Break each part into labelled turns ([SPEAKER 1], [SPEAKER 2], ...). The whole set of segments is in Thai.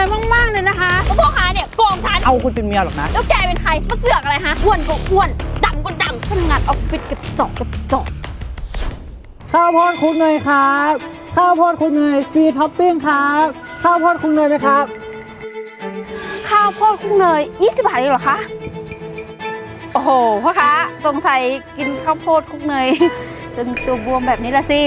[SPEAKER 1] อยมากๆเลยนะคะพ่อค้าเนี่ยโกงฉัน
[SPEAKER 2] เอาคุณเป็นเมียหรอกนะ
[SPEAKER 1] แล้วแกเป็นใครมาเสือกอะไรฮะอ้วนก็อ้วนดำก็ดำทำงานออฟฟิศกระจอก
[SPEAKER 2] ข้าวโพดคลุกเนยครับข้าวโพดคลุกเนยฟรีท็อปปิ้งครับข้าวโพดคลุกเนยไหมครับ
[SPEAKER 1] ข้าวโพดคลุกเนย20 บาทเองเหรอคะโอ้โหพ่อค้าสงสัยกินข้าวโพดคลุกเนยจนตัวบวมแบบนี้ละสิ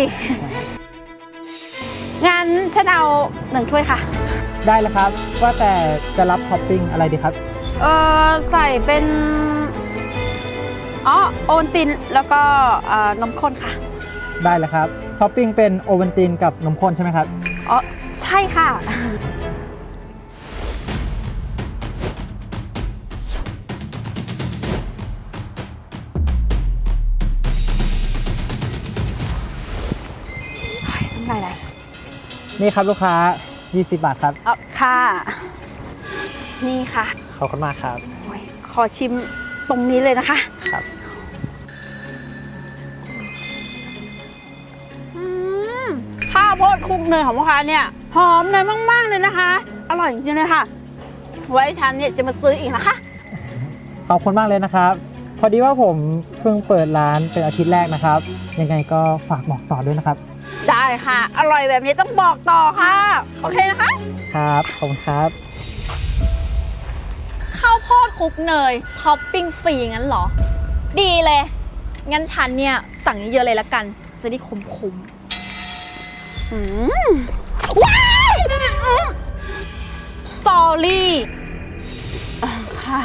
[SPEAKER 1] งั้นฉันเอา1 ถ้วยค่ะ
[SPEAKER 2] ได้เลยครับว่าแต่จะรับท็อปปิ้งอะไรดีครับ
[SPEAKER 1] ใส่เป็นโอวัลตินแล้วก็นมข้นค่ะ
[SPEAKER 2] ได้เลยครับท็อปปิ้งเป็นโอวัลตินกับนมข้นใช่ไหมครับ
[SPEAKER 1] ใช่ค่ะน้ำลายไหล
[SPEAKER 2] นี่ครับลูกค้า20 บาทครับ
[SPEAKER 1] ค่ะนี่ค่ะ
[SPEAKER 2] ขอบคุณมากครับ
[SPEAKER 1] ขอชิมตรงนี้เลยนะคะ
[SPEAKER 2] ครับ
[SPEAKER 1] ข้าวโพดคลุกเนยของพ่อค้าเนี่ยหอมเนยมากๆเลยนะคะอร่อยจริงๆเลยค่ะไว้ฉันเนี่ยจะมาซื้ออีกนะคะ
[SPEAKER 2] ขอบคุณมากเลยนะครับพอดีว่าผมเพิ่งเปิดร้านเป็นอาทิตย์แรกนะครับยังไงก็ฝากบอกต่อด้วยนะครับ
[SPEAKER 1] ได้ค่ะอร่อยแบบนี้ต้องบอกต่อค่ะโอเคนะคะ
[SPEAKER 2] ครับขอบคุณครับ
[SPEAKER 3] ข้าวโพดคลุกเนยท็อปปิ้งฟรีงั้นเหรอดีเลยงั้นฉันเนี่ยสั่งเยอะๆเลยละกันจะได้คุ้มว้ายสอรี่
[SPEAKER 1] ค่ะ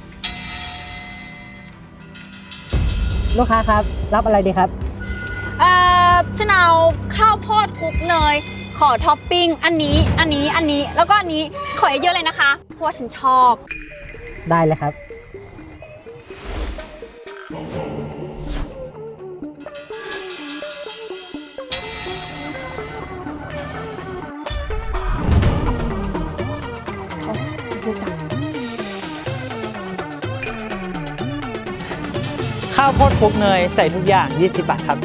[SPEAKER 2] ลูกค้าครับรับอะไรดีครับ
[SPEAKER 3] ฉันเอาข้าวโพดคลุกเนยขอท็อปปิ้งอันนี้แล้วก็อันนี้ขอเยอะๆเลยนะคะเพราะว่าฉันชอบ
[SPEAKER 2] ได้เลยครับข้าวโพดคลุกเนยใส่ทุกอย่าง20 บาทครับ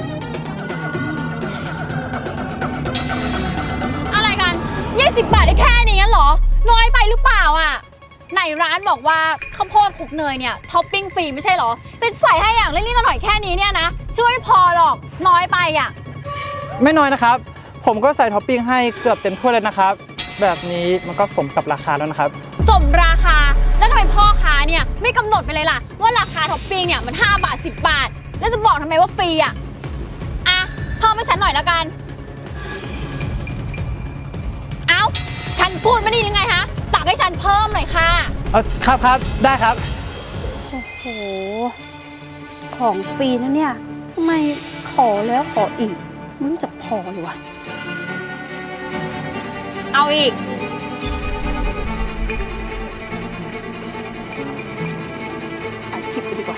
[SPEAKER 3] อะไรกัน20 บาทได้แค่นี้งั้นเหรอน้อยไปหรือเปล่าอ่ะไหนร้านบอกว่าข้าวโพดคลุกเนยเนี่ยท็อปปิ้งฟรีไม่ใช่เหรอแต่ใส่ให้อย่างเล็กๆหน่อยๆแค่นี้เนี่ยนะช่วยพอหรอกน้อยไปอ่ะ
[SPEAKER 2] ไม่น้อยนะครับผมก็ใส่ท็อปปิ้งให้เกือบเต็มถ้วยเลยนะครับแบบนี้มันก็สมกับราคาแล้วนะครับ
[SPEAKER 3] สมราคาแล้วทำไมพ่อค้าเนี่ยไม่กำหนดไปเลยล่ะว่าราคาท็อปปิ้งเนี่ยมัน5 บาท10 บาทแล้วจะบอกทำไมว่าฟรีอ่ะเพิ่มให้ฉันหน่อยแล้วกันฉันพูดไม่ดียังไงฮะตักให้ฉันเพิ่มหน่อยค่ะ
[SPEAKER 2] ครับได้ครับ
[SPEAKER 1] โอ้โหของฟรีนะเนี่ยทำไมขอแล้วขออีกไม่รู้จักพอเลยวะ
[SPEAKER 3] เอาอีก
[SPEAKER 1] อัดคลิปไปดีกว่า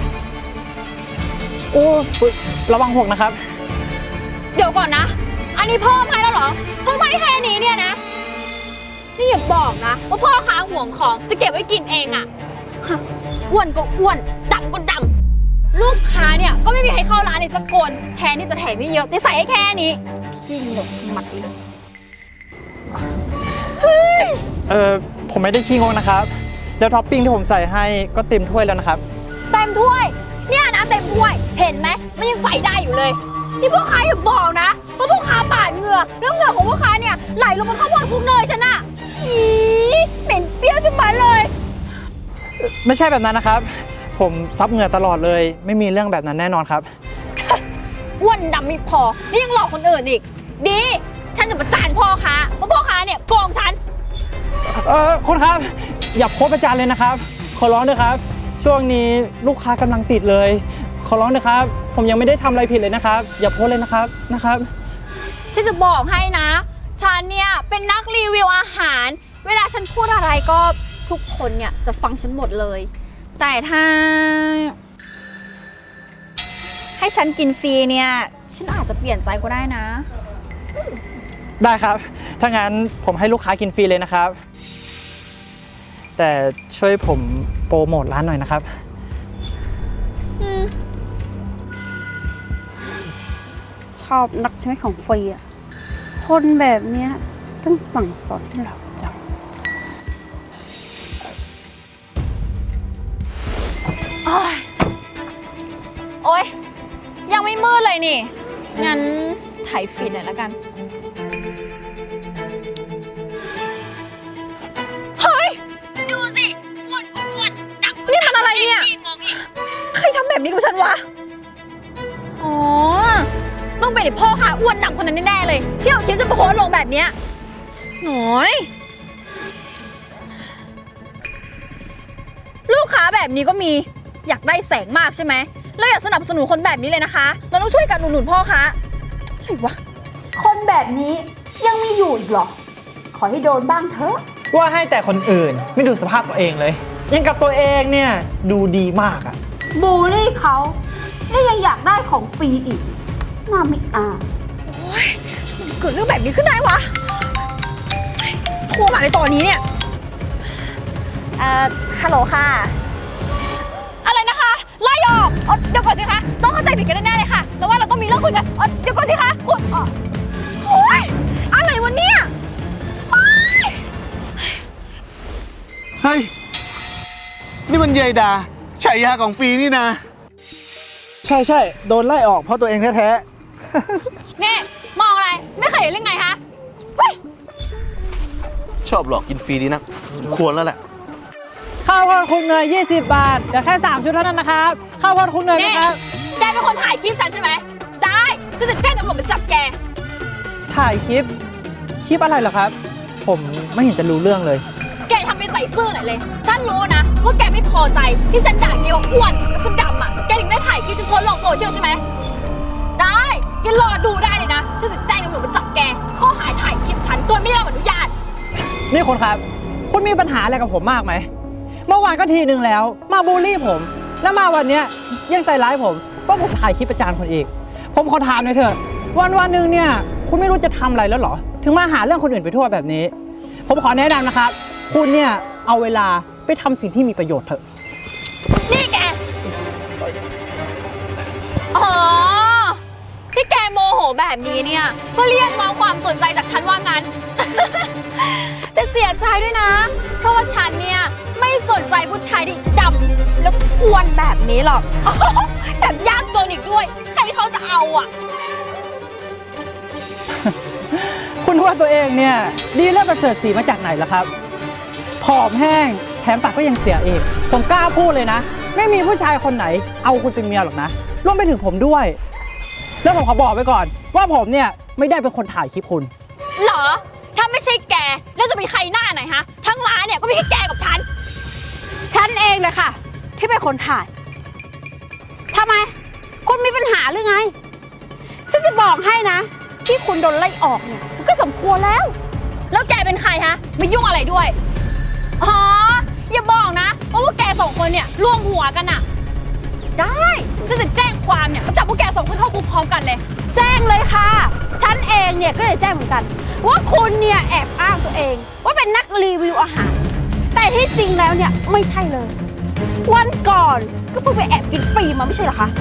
[SPEAKER 2] โอ้ระวังหกนะครับ
[SPEAKER 3] เดี๋ยวก่อนนะอันนี้เพิ่มให้แล้วเหรอเพิ่มให้แค่นี้เนี่ยนะนี่อย่าบอกนะว่าพ่อค้าห่วงของจะเก็บไว้กินเองอะอ้วนก็อ้วนดำก็ดำลูกค้าเนี่ยก็ไม่มีใครเข้าร้านเลยสักคนแทนที่จะแถมไม่เยอะแต่ใส่ให้แค่นี้ขี้หลบสมัดเลย
[SPEAKER 2] ผมไม่ได้ขี้งกนะครับแล้วท็อปปิ้งที่ผมใส่ให้ก็เต็มถ้วยแล้วนะครับ
[SPEAKER 3] เต็มถ้วยเนี่ยนะเต็มถ้วยเห็นไหมมันยังใส่ได้อยู่เลยนี่พ่อค้าอย่าบอกนะว่าพ่อค้าปาดเหงื่อแล้วเหงื่อของพ่อค้าเนี่ยไหลลงบนข้าวโพดคลุกเนยฉันอะฉีเหม็นเปรี้ยวจังเลย
[SPEAKER 2] ไม่ใช่แบบนั้นนะครับผมซับเหงื่อตลอดเลยไม่มีเรื่องแบบนั้นแน่นอนครับ
[SPEAKER 3] อ้วนดำไม่พอนี่ยังหลอกคนอื่นอีกดีฉันจะประจานพ่อค้าเพราะพ่อค้าเนี่ยโกงฉัน
[SPEAKER 2] คุณครับอย่าโพสประจานเลยนะครับขอร้องด้วยครับช่วงนี้ลูกค้ากำลังติดเลยขอร้องด้วยครับผมยังไม่ได้ทำอะไรผิดเลยนะครับอย่าโพสเลยนะครับ
[SPEAKER 3] ฉันจะบอกให้นะฉันเนี่ยเป็นนักรีวิวอาหารเวลาฉันพูดอะไรก็ทุกคนเนี่ยจะฟังฉันหมดเลยแต่ถ้าให้ฉันกินฟรีเนี่ยฉันอาจจะเปลี่ยนใจก็ได้นะ
[SPEAKER 2] ได้ครับถ้างั้นผมให้ลูกค้ากินฟรีเลยนะครับแต่ช่วยผมโปรโมทร้านหน่อยนะครับ
[SPEAKER 1] ชอบนักใช่ไหมของฟรีอ่ะคนแบบเนี้ยต้องสั่งสอนให้เราจัง
[SPEAKER 3] โอ๊ยยังไม่มืดเลยนี่ งั้นถ่ายฟีดหน่อยแล้วกัน เฮ้ย ดูสิอ้วนก็อ้วนดังนี่มันอะไรเนี่ยงงอีกใครทำแบบนี้กับฉันวะ อ๋อ ต้องเป็นไอ้พ่อค้าอ้วนดำคนนั้นแน่ๆเลย ที่เอาคลิปจะมาโพสต์ลงแบบเนี้ยหน่อยลูกค้าแบบนี้ก็มีอยากได้แสงมากใช่ไหมแล้วอยากสนับสนุนคนแบบนี้เลยนะคะ เราต้องช่วยกันอุดหนุนพ่อค้าอะไรวะ
[SPEAKER 1] คนแบบนี้ยังมีอยู่อีกเหรอ ขอให้โดนบ้างเถอะ
[SPEAKER 2] ว่าให้แต่คนอื่นไม่ดูสภาพตัวเองเลย ยังกับตัวเองเนี่ยดูดีมากอะ
[SPEAKER 1] บูลลี่เขาแล้วยังอยากได้ของฟรีอีกน่าไม่อาย
[SPEAKER 3] โอ๊ยเกิดเรื่องแบบนี้ขึ้นได้วะโทรมาในตอนนี้เนี่ยฮัลโหลค่ะ อะไรนะคะไล่ออกเดี๋ยวก่อนสิคะต้องเข้าใจผิดกันแน่ๆเลยค่ะแต่ว่าเราต้องมีเรื่องคุยกันเดี๋ยวก่อนสิคะคุณโอ๊ยอะไรวะเนี่ย
[SPEAKER 4] เฮ้ย นี่มันยายดาฉายาของฟรีนี่นะ
[SPEAKER 2] ใช่โดนไล่ออกเพราะตัวเองแท้
[SPEAKER 3] นี่มองอะไรไม่เคยเห็นเรื่องไงคะ
[SPEAKER 4] ชอบหลอกกินฟรีดีนะสมควรแล้วแหละ
[SPEAKER 2] ๆข้าวโพดคลุกเนย20 บาทแต่แค่3 ชุดเท่านั้นนะครับข้าวโพดคลุกเนย
[SPEAKER 3] นี่
[SPEAKER 2] นะครับ
[SPEAKER 3] แกเป็นคนถ่ายคลิปฉันใช่ไหมได้จะแจ้งตำรวจมาจับแก
[SPEAKER 2] ถ่ายคลิปอะไรเหรอครับ ผมไม่เห็นจะรู้เรื่องเลย
[SPEAKER 3] แกทำเป็นใส่ซื่อหน่อยเลย ฉันรู้นะว่าแกไม่พอใจที่ฉันด่าแกว่าอ้วนแล้วก็ดำอ่ะ แกถึงได้ถ่ายคลิปจนโพสต์ลงโซเชียลใช่ไหม ได้แกรอดูได้เลยนะฉันจะแจ้งตำรวจมาจับแกข้อหาถ่ายคลิปฉันโดยไม่ได้รับอนุญาต
[SPEAKER 2] นี่คุณครับ คุณมีปัญหาอะไรกับผมมากไหม เมื่อวานก็ทีนึงแล้ว มาบูลลี่ผม แล้วมาวันเนี้ยยังใส่ร้ายผมว่าผมถ่ายคลิปประจานคนอีก ผมขอถามหน่อยเถอะวันหนึ่งเนี่ยคุณไม่รู้จะทำอะไรแล้วเหรอ ถึงมาหาเรื่องคนอื่นไปทั่วแบบนี้ ผมขอแนะนำนะครับ คุณเนี่ยเอาเวลาไปทำสิ่งที่มีประโยชน์เถอะ
[SPEAKER 3] นี่แก อ๋อ ที่แกโมโหแบบนี้เนี่ยเพื่อเรียกร้องความสนใจจากฉันว่างั้น แต่เสียใจด้วยนะ เพราะว่าฉันเนี่ยไม่สนใจผู้ชายที่ดำแล้วอ้วนแบบนี้หรอก แถมยากจนอีกด้วย ใครเขาจะเอาอ่ะ
[SPEAKER 2] คุณว่าตัวเองเนี่ยดีเลิศประเสริฐสีมาจากไหนล่ะครับ ผอมแห้งแถมปากก็ยังเสียเองผมกล้าพูดเลยนะ ไม่มีผู้ชายคนไหนเอาคุณเป็นเมียหรอกนะรวมไปถึงผมด้วย แล้วผมขอบอกไว้ก่อน ว่าผมเนี่ยไม่ได้เป็นคนถ่ายคลิปคุณ
[SPEAKER 3] เหรอ ถ้าไม่ใช่แก แล้วจะมีใครหน้าไหนฮะ ทั้งร้านเนี่ยก็มีแค่แกกับฉัน
[SPEAKER 1] ฉันเองเลยค่ะ ที่เป็นคนถ่ายทำไม คุณมีปัญหาหรือไง ฉันจะบอกให้นะ ที่คุณโดนไล่ออกเนี่ยมันก็สมควรแล้ว
[SPEAKER 3] แล้วแกเป็นใครฮะไม่ยุ่งอะไรด้วย อ๋อ อย่าบอกนะว่าพวกแกสองคนเนี่ยร่วมหัวกันอะได้ฉันจะแจ้งความเนี่ยมาจับพวกแกสองคนเข้าคุกพร้อมกันเลย
[SPEAKER 1] แจ้งเลยค่ะ ฉันเองเนี่ยก็จะแจ้งเหมือนกัน ว่าคุณเนี่ยแอบอ้างตัวเอง ว่าเป็นนักรีวิวอาหาร แต่ที่จริงแล้วเนี่ยไม่ใช่เลย วันก่อนก็เพิ่งไปแอบกินฟรีมาไม่ใช่เหรอคะ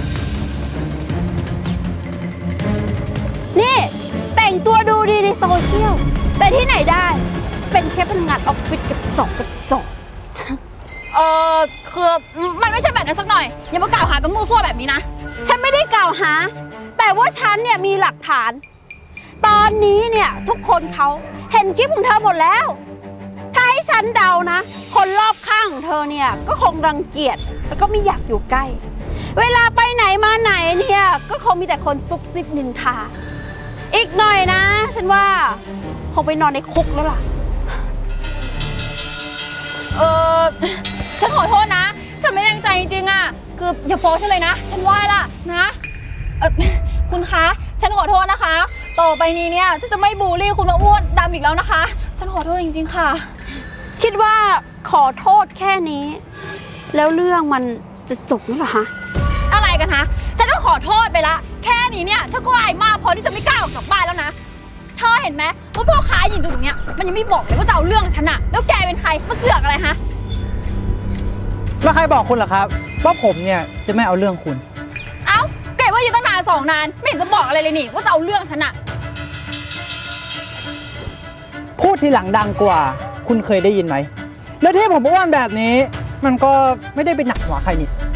[SPEAKER 1] นี่แต่งตัวดูดีในโซเชียล แต่ที่ไหนได้ เป็นแค่พนักงานออฟฟิศกับจอก
[SPEAKER 3] คือมันไม่ใช่แบบนั้นสักหน่อย อย่ามากล่าวหากันมั่วซั่วแบบนี้นะ
[SPEAKER 1] ฉันไม่ได้กล่าวหา แต่ว่าฉันเนี่ยมีหลักฐาน ตอนนี้เนี่ยทุกคนเขาเห็นคลิปของเธอหมดแล้ว ถ้าให้ฉันเดานะ คนรอบข้างของเธอเนี่ยก็คงรังเกียจแล้วก็ไม่อยากอยู่ใกล้ เวลาไปไหนมาไหนเนี่ยก็คงมีแต่คนซุบซิบนินทา อีกหน่อยนะ ฉันว่าคงไปนอนในคุกแล้วล่ะ
[SPEAKER 3] ฉันขอโทษนะ ฉันไม่ได้ตั้งใจจริงๆอ่ะ คืออย่าฟ้องฉันเลยนะ ฉันไหว้ละนะคุณคะ ฉันขอโทษนะคะ ต่อไปนี้เนี่ยฉันจะไม่บูลลี่คุณมาอ้วนดำอีกแล้วนะคะ ฉันขอโทษจริงๆค่ะ
[SPEAKER 1] คิดว่าขอโทษแค่นี้ แล้วเรื่องมันจะจบแล้วเหรอฮะ
[SPEAKER 3] อะไรกันฮะ ฉันก็ขอโทษไปละ แค่นี้เนี่ยฉันก็อายมากพอที่จะไม่กล้าออกจากบ้านแล้วนะ เธอเห็นไหมว่าพ่อค้าหญิงตัวเนี้ยมันยังไม่บอกเลยว่าจะเอาเรื่องฉันอะแล้วแกเป็นใครมาเสือกอะไรฮะ
[SPEAKER 2] แล้วใครบอกคุณล่ะครับ ว่าผมเนี่ยจะไม่เอาเรื่องคุณ
[SPEAKER 3] เอ้าแกว่าอยู่ตั้งนาน2 นานไม่เห็นจะบอกอะไรเลยนี่ว่าจะเอาเรื่องฉันอะ
[SPEAKER 2] พูดทีหลังดังกว่า คุณเคยได้ยินไหม แล้วที่ผมอ้วนแบบนี้ มันก็ไม่ได้เป็นหนักหัวใครนี่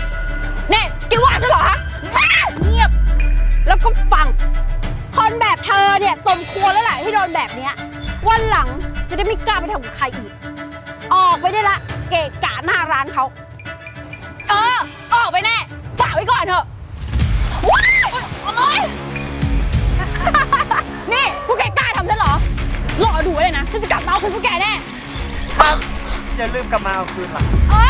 [SPEAKER 1] เนี่ยสมควรแล้วแหละที่โดนแบบเนี้ยวันหลังจะได้ไม่กล้าไปทำกับใครอีก ออกไปได้ละ เกะกะหน้าร้านเขา
[SPEAKER 3] ออกไปแน่ ฝากไว้ก่อนเถอะว้ายโอ๊ย นี่พวกแกกล้าทำฉันเหรอ รอดูไว้เลยนะฉันจะกลับมาเอาคืนพวกแกแน่
[SPEAKER 2] ครับ อย่าลืมกลับมาเอาคืนล่ะ
[SPEAKER 3] เอ้ย